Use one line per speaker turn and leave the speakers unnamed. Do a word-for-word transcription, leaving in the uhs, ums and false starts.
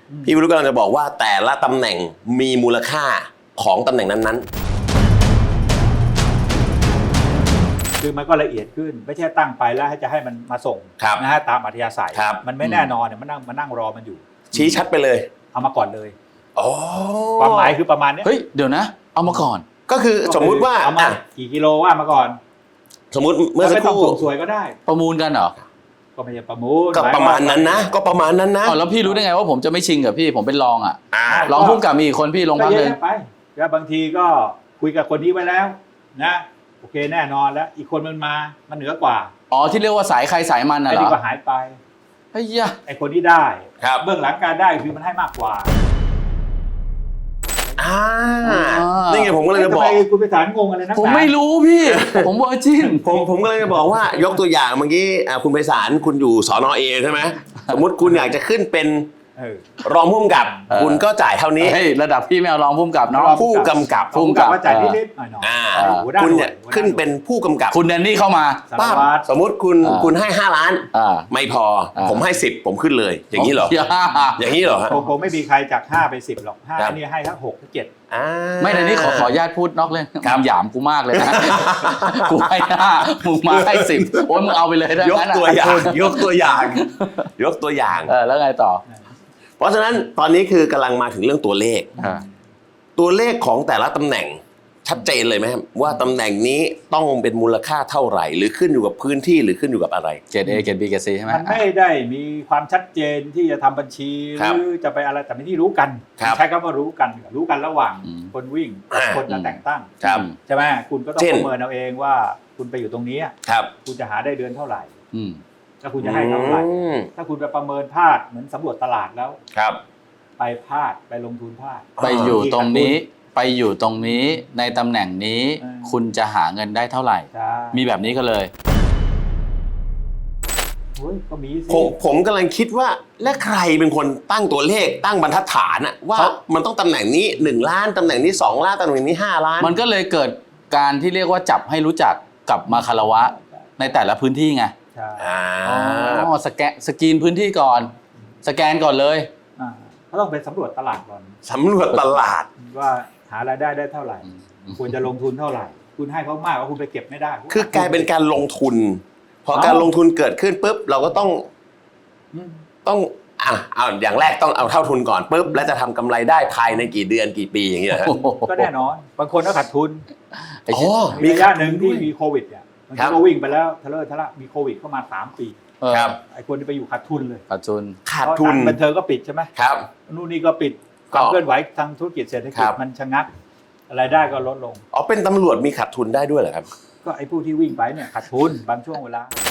พี่วิรุธกำลังจะบอกว่าแต่ละตำแหน่งมีมูลค่าของตำแหน่งนั้น
ๆคือมันก็ละเอียดขึ้นไม่ใช่ตั้งไปแล้วให้จะให้มันมาส่งนะฮะตามอัธยาศัยมันไม่แน่นอนเนี่ยมันนั่งมานั่งรอมันอยู่
ชี้ชัดไปเลย
เอามาก่อนเลยความหมายคือประมาณนี้
เฮ้ยเดี๋ยวนะเอามาก่อน
ก็คือสมมุติว่า
เอามากี่กิโลว่ามาก่อน
สมมุติเมื่อสักครู่
ส่งสวยก็ได้
ประมูลกันเหรอ
ก็ไม่ใช่ประมูล
ก็ประมาณนั้นนะก็ประมาณนั้นนะ
อ๋อแล้วพี่รู้ได้ไงว่าผมจะไม่ชิงกับพี่ผมเป็นรองอ่ะรองพุ่มกับมีคนพี่ลงพักเลย
ไปแล้วบางทีก็คุยกับคนนี้ไว้แล้วนะโอเคแน่นอนแล้วอีกคนมันมามันเหนือกว่า
อ๋อที่เรียกว่าสายใครสายมันน่ะเหรอ
ไอ้นี่ก็หายไป
ไอ้ยะ
ไอ้คนที่ได้เบื้องหลังการได้คือมันให้มากกว่า
อ่านี่ไงผมก็เลยจะบอก
คุณไปสารงงอะไรนะ
ผมไม่รู้พี่ผมเวอร์จิน
ผมผมก็เลยจะบอกว่ายกตัวอย่างเมื่อกี้คุณไพศาลคุณอยู่สนเอใช่ไหมสมมติคุณอยากจะขึ้นเป็นรองผู้กำกับคุณก็จ่ายเท่านี้
ระดับพี่ไม่เอารองผู้กำกับเนาะ
ผู้กำกับ
ผู้กำกับว่าจ่ายนิดๆหน่อย
ๆคุณเนี่ยขึ้นเป็นผู้กำกับ
คุณแดนนี่เข้ามา
ป้าสมมติคุณคุณให้ห้าล้านไม่พอผมให้สิบผมขึ้นเลยอย่างนี้เหรออย่างนี้เหรอ
คงไม่มีใครจากห้าไปสิบหรอกห้านี่ให้ทั้งหกทั้งเจ็ด
ไม่ในนี้ขอขอญาติพูดนอกเรื่องคำหยามกูมากเลยนะกูให้ห้ามึงมาให้สิบโอ้ยมึงเอาไปเลยได้
ยกตัวอย่างยกตัวอย่างยกตัวอย่าง
เออแล้วไงต่อ
เพราะฉะนั้นตอนนี้คือกำลังมาถึงเรื่องตัวเลขตัวเลขของแต่ละตำแหน่งชัดเจนเลยไหมครับว่าตำแหน่งนี้ต้องเป็นมูลค่าเท่าไหร่หรือขึ้นอยู่กับพื้นที่หรือขึ้นอยู่กับอะไร
เกรด A เกรด B เกรด C ใช่ไหม
มันไม่ได้มีความชัดเจนที่จะทำบัญชีหรือจะไปอะไรแต่ไม่ที่รู้กันใช้คำว่ารู้กันรู้กันระหว่างคนวิ่งคนจะแต่งตั้งใช่ไหมคุณก็ต้องประเมินเอาเองว่าคุณไปอยู่ตรงนี้คุณจะหาได้เดือนเท่าไหร่ถ้าคุณจะให้เท่าไหร่ถ้าคุณไปประเมินพลาดเหมือนสำรวจตลาดแล้วไปพลาดไปลงทุนพลาด
ไปอยู่ตรงนี้ไปอยู่ตรงนี้ในตำแหน่งนี้คุณจะหาเงินได้เท่าไหร่มีแบบนี้ก็เลย
ก็มีสิ
ผมผมกำลังคิดว่าและใครเป็นคนตั้งตัวเลขตั้งบรรทัดฐานอะว่ามันต้องตำแหน่งนี้หนึ่งล้านตำแหน่งนี้สองล้านตำแหน่งนี้ห้าล้าน
มันก็เลยเกิดการที่เรียกว่าจับให้รู้จักกับมาคารวะในแต่ละพื้นที่ไงอ๋อสแกนสกรีนพื้นที่ก่อนสแกนก่อนเลย
เขาต้องไปสำรวจตลาดก่อน
สำรวจตลาด
ว่าหารายได้ได้เท่าไหร่ควรจะลงทุนเท่าไหร่คุณให้เขามากว่าคุณไปเก็บไม่ได้
คือกลายเป็นการลงทุนพอการลงทุนเกิดขึ้นปุ๊บเราก็ต้องต้องอ่ะเอาอย่างแรกต้องเอาเท่าทุนก่อนปุ๊บแล้วจะทำกำไรได้ภายในกี่เดือนกี่ปีอย่างเงี้ย
ก็แน่นอนบางคนก็ขาดทุนมีระยะหนึ่งที่มีโควิดเนี่ยบางทีก็วิ่งไปแล้วทะเลาะทะเลาะมีโควิดเข้ามาสามปี
ครับ
ไอ้คนที่ไปอยู่ขาดทุนเลย
ขาดทุน
ขาดทุน
บันเทิงก็ปิดใช่ไหม
ครับ
นู่นนี่ก็ปิดความเคลื่อนไหวทางธุรกิจเศรษฐกิจมันชะงักรายได้ก็ลดลง
อ๋อเป็นตำรวจมีขาดทุนได้ด้วยเหรอครับ
ก็ไอ้ผู้ที่วิ่งไปเนี่ยขาดทุนบางช่วงเวลา